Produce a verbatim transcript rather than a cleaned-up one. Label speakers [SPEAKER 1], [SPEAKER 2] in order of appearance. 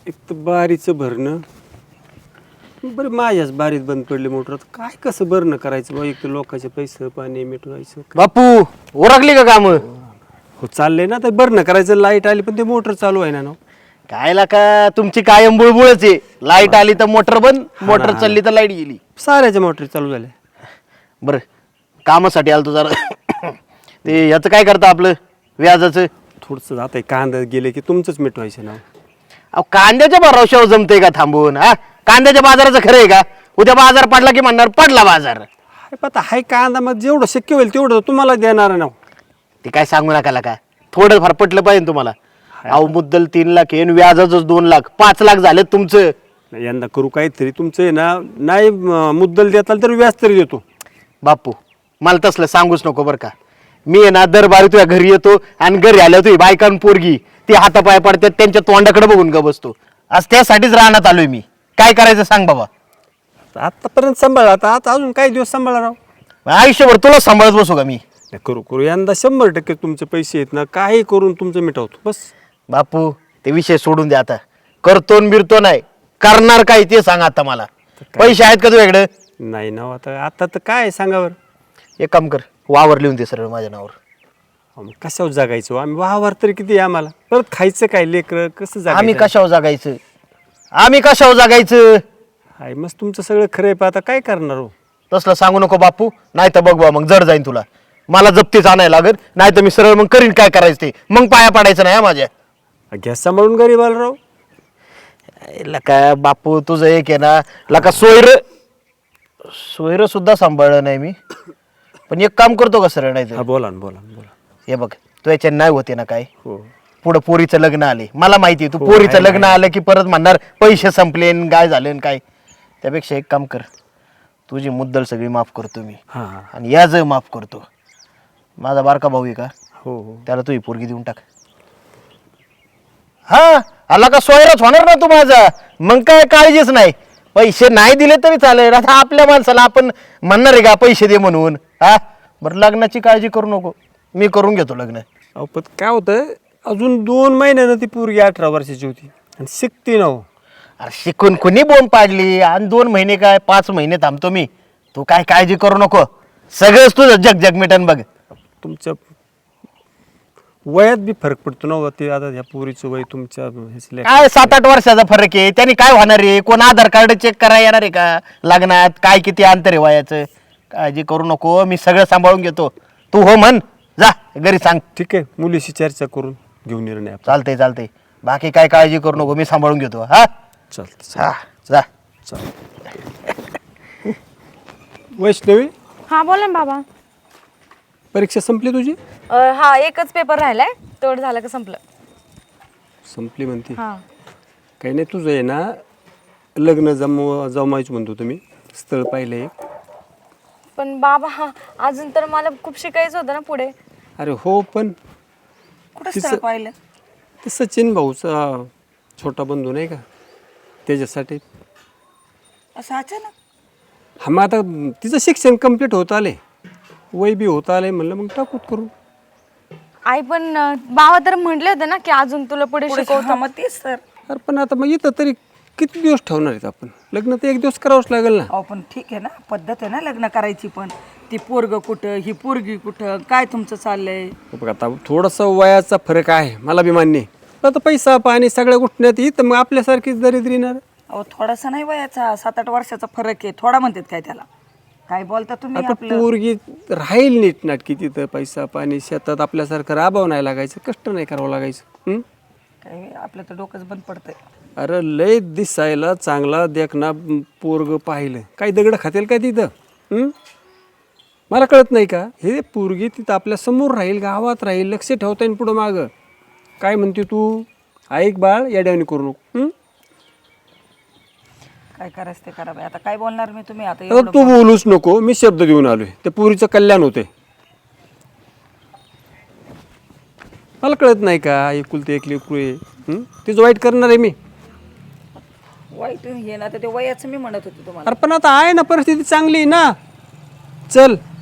[SPEAKER 1] एक तर बारीचं भरणं बरं, माझ्याच बारीत बंद पडली मोटर. काय कसं भरणं करायचं बा? एक तर लोकांचे पैसे पाणी मिटवायचं.
[SPEAKER 2] बापू ओरखली का काम?
[SPEAKER 1] हो चाललंय ना, तर भरणं करायचं. लाईट आली पण ते मोटर चालू आहे ना ना.
[SPEAKER 2] कायला का तुमची कायम बुळबुळच आहे. लाईट आली तर मोटर बंद, मोटर चालली तर लाईट गेली.
[SPEAKER 1] साऱ्याच्या मोटर चालू झाल्या.
[SPEAKER 2] बरं कामासाठी आलतो जरा. ते याचं काय करता आपलं व्याजाचं?
[SPEAKER 1] थोडंसं आता कांदा गेले की तुमचंच मिटवायचं ना.
[SPEAKER 2] अहो कांद्याच्या भरोशावर जमते का थांबून? हा कांद्याच्या बाजाराचं खरं आहे का? उद्या बाजार पडला की म्हणणार पडला बाजार.
[SPEAKER 1] हाय पता हाय कांदा, मग जेवढं शक्य होईल तेवढं तुम्हाला देणार ना.
[SPEAKER 2] ते काय सांगू नका का थोडं फार पटलं पाहिजे तुम्हाला. अहो मुद्दल तीन लाख आहे, व्याजाच दोन लाख पाच लाख झाले तुमचं.
[SPEAKER 1] यंदा करू काहीतरी तुमचं आहे ना. नाही मुद्दल देताल तर व्याज तरी देतो.
[SPEAKER 2] बापू मला तसलं सांगूच नको बरं का. मी आहे ना दरबारी तुझ्या घरी येतो आणि घरी आल्या तुझी बायकान पोरगी ती हातापाय पडतात त्यांच्या तोंडाकडे बघून ग बसतो. आज त्यासाठीच राहण्यात आलोय मी. काय करायचं सांग बाबा.
[SPEAKER 1] आतापर्यंत सांभाळा, आता आता अजून काही दिवस सांभाळा राव.
[SPEAKER 2] आयुष्यभर तुला सांभाळत बसू का मी?
[SPEAKER 1] नाही, करू करू यंदा शंभर टक्के तुमचे पैसे आहेत ना. काही करून तुमचं मिटवतो बस.
[SPEAKER 2] बापू ते विषय सोडून द्या आता. करतो न बिरतो नाही, करणार काय ते सांग आता मला. पैसे आहेत का तुझ्याकडे?
[SPEAKER 1] नाही ना आता आता तर काय सांगावर.
[SPEAKER 2] एक काम कर, वावर लिहून दे सरळ माझ्या नावावर.
[SPEAKER 1] कशावर जागायचो आम्ही? वावर तरी किती आम्हाला. परत खायचं काय लेकर कसं जागायचं?
[SPEAKER 2] आम्ही कशावर जागायचं? आम्ही कशावर जागायचं?
[SPEAKER 1] हाय मस्त तुमचं सगळं खरं आहे, पण आता काय करणार हो?
[SPEAKER 2] तसलं सांगू नको बापू, नाही तर बघ बा मग जड जाईन तुला. मला जप्तीच आणायला लागत, नाही तर मी सरळ मग करीन काय करायचं ते. मग पाया पडायचं नाही माझ्या.
[SPEAKER 1] गॅस सांभाळून गरीब आला राव.
[SPEAKER 2] लका बापू तुझं एक आहे ना लका सोयर सोयर सुद्धा सांभाळलं नाही मी. पण एक काम करतो का सरळ? नाही
[SPEAKER 1] हा बोला ना बोला ना बोला.
[SPEAKER 2] हे बघ तू याच्या नाही होते ना काय.
[SPEAKER 1] हो
[SPEAKER 2] पुढं पोरीचं लग्न आले, मला माहिती तू
[SPEAKER 1] हो,
[SPEAKER 2] पोरीचं
[SPEAKER 1] आहे,
[SPEAKER 2] लग्न
[SPEAKER 1] आहे.
[SPEAKER 2] आलं की परत म्हणणार पैसे संपले न काय झाले न काय. त्यापेक्षा एक काम कर, तुझी मुद्दल सगळी माफ करतो मी
[SPEAKER 1] हा हा
[SPEAKER 2] आणि याच माफ करतो. माझा बारका भाऊ आहे का,
[SPEAKER 1] हो हो
[SPEAKER 2] त्याला तुझी पोरगी देऊन टाक. हा आला का सोयरच होणार ना तू माझा. मग काय काळजीच नाही. पैसे नाही दिले तरी चालेल. आता आपल्या माणसाला आपण म्हणणार आहे का पैसे दे म्हणून? हा बरं लग्नाची काळजी करू नको, मी करून घेतो लग्न.
[SPEAKER 1] अहो पण काय होतं, अजून दोन महिन्यानं ती पोरगी अठरा वर्षाची होती आणि शिकती ना हो.
[SPEAKER 2] अरे शिकून कुणी बोंब पाडली? आणि दोन महिने काय पाच महिने थांबतो मी. तू काय काळजी करू नको, सगळंच तुझं जग जग मिटन बघ.
[SPEAKER 1] तुमच्या वयात बी फरक पडतो ना हो. ते आता ह्या पोरीचं वय तुमच्या ह्याचं लेकरं.
[SPEAKER 2] काय सात आठ वर्षाचा फरक आहे, त्याने काय होणार आहे? कोण आधार कार्ड चेक करायला येणार आहे का लग्नात? काय किती अंतर आहे वयाचं? काळजी करू नको, मी सगळं सांभाळून घेतो. तू हो म्हण, जा घरी सांग.
[SPEAKER 1] ठीक आहे, मुलीशी चर्चा करून घेऊन निर्णय आपण.
[SPEAKER 2] चालतंय चालतंय, बाकी काय काळजी करू नको, मी सांभाळून घेतो. हा
[SPEAKER 1] चालतं
[SPEAKER 2] हा जा.
[SPEAKER 1] चालतं. वैष्णवी
[SPEAKER 3] हा बोला ना बाबा.
[SPEAKER 1] परीक्षा संपली तुझी?
[SPEAKER 3] अ, हा एकच पेपर राहिलाय, तेवढं झालं का संपलं.
[SPEAKER 1] संपली म्हणते.
[SPEAKER 3] हा
[SPEAKER 1] काही नाही, तुझं आहे ना लग्न जमव जमायचं म्हणतो तुम्ही. स्थळ पाहिलं एक.
[SPEAKER 3] पण बाबा हा अजून तर मला खूप शिकायचं होतं ना पुढे.
[SPEAKER 1] अरे हो, पण
[SPEAKER 4] कुठं
[SPEAKER 1] तिचं-
[SPEAKER 4] स्थळ पाहिलं?
[SPEAKER 1] ते सचिन भाऊचा छोटा बंधू नाही का, त्याच्यासाठी.
[SPEAKER 4] असं अचानक?
[SPEAKER 1] हा मग आता तिचं शिक्षण कम्प्लीट होत आले, वय बी होत आले, म्हणलं मग टाकूत करू.
[SPEAKER 3] आई पण अ, बाबा तर म्हटले होते ना की अजून तुला पुढे
[SPEAKER 4] पुढे
[SPEAKER 3] शिकवतो.
[SPEAKER 4] हा, मग तेच तर.
[SPEAKER 1] अरे पण आता मग इथं तरी किती दिवस ठेवणार आहेत आपण? लग्न तर एक दिवस करावंच लागेल ना.
[SPEAKER 4] अहो पण ठीक आहे ना, पद्धत आहे ना लग्न करायची. पण ती पोरग कुठं, ही पोरगी कुठं, काय तुमचं चाललंय?
[SPEAKER 1] बघ आता थोडासा वयाचा फरक आहे, मला बी मान्य आहे. पण आता पैसा पाणी सगळ्या गोष्टीत येत, मग आपल्यासारखीच दरिद्री येणार.
[SPEAKER 4] अहो थोडासा नाही वयाचा, सात आठ वर्षाचा फरक आहे. थोडा म्हणतात काय त्याला? काय बोलता तुम्ही?
[SPEAKER 1] आता
[SPEAKER 4] आपलं
[SPEAKER 1] पोरगी राहील नीट नाटकी तिथं, पैसा पाणी शेतात आपल्यासारखं राबावं नाही लागायचं, कष्ट नाही करावं लागायचं. हं?
[SPEAKER 4] काय आपलं तर डोकंच बंद पडतंय.
[SPEAKER 1] अरे लय दिसायला चांगला देखना पोरग पाहिलं, काही दगड खातेल काय तिथं? हं? मला कळत नाही का, हे पोरगी तिथं आपल्या समोर राहील, गावात राहील, लक्ष ठेवता येईल पुढं मागं. काय म्हणते तू? ऐक बाळ, येड्यावानी करू नको. हं?
[SPEAKER 4] काय करायचं ते करा बाई. आता काय बोलणार मी? तुम्ही आता
[SPEAKER 1] आता
[SPEAKER 4] एवढं
[SPEAKER 1] तू बोलूच नको, मी शब्द देऊन आलोय. त्या पोरीचं कल्याण होते. मला कळत नाही का, एकुलते एक लेकरू आहे. हं? तिचं वाईट करणार आहे मी?
[SPEAKER 4] वाईट हे ना, तर ते वयाचं मी म्हणत होते तुम्हाला.
[SPEAKER 1] अरे पण आता आहे ना, परिस्थिती चांगली आहे ना. चल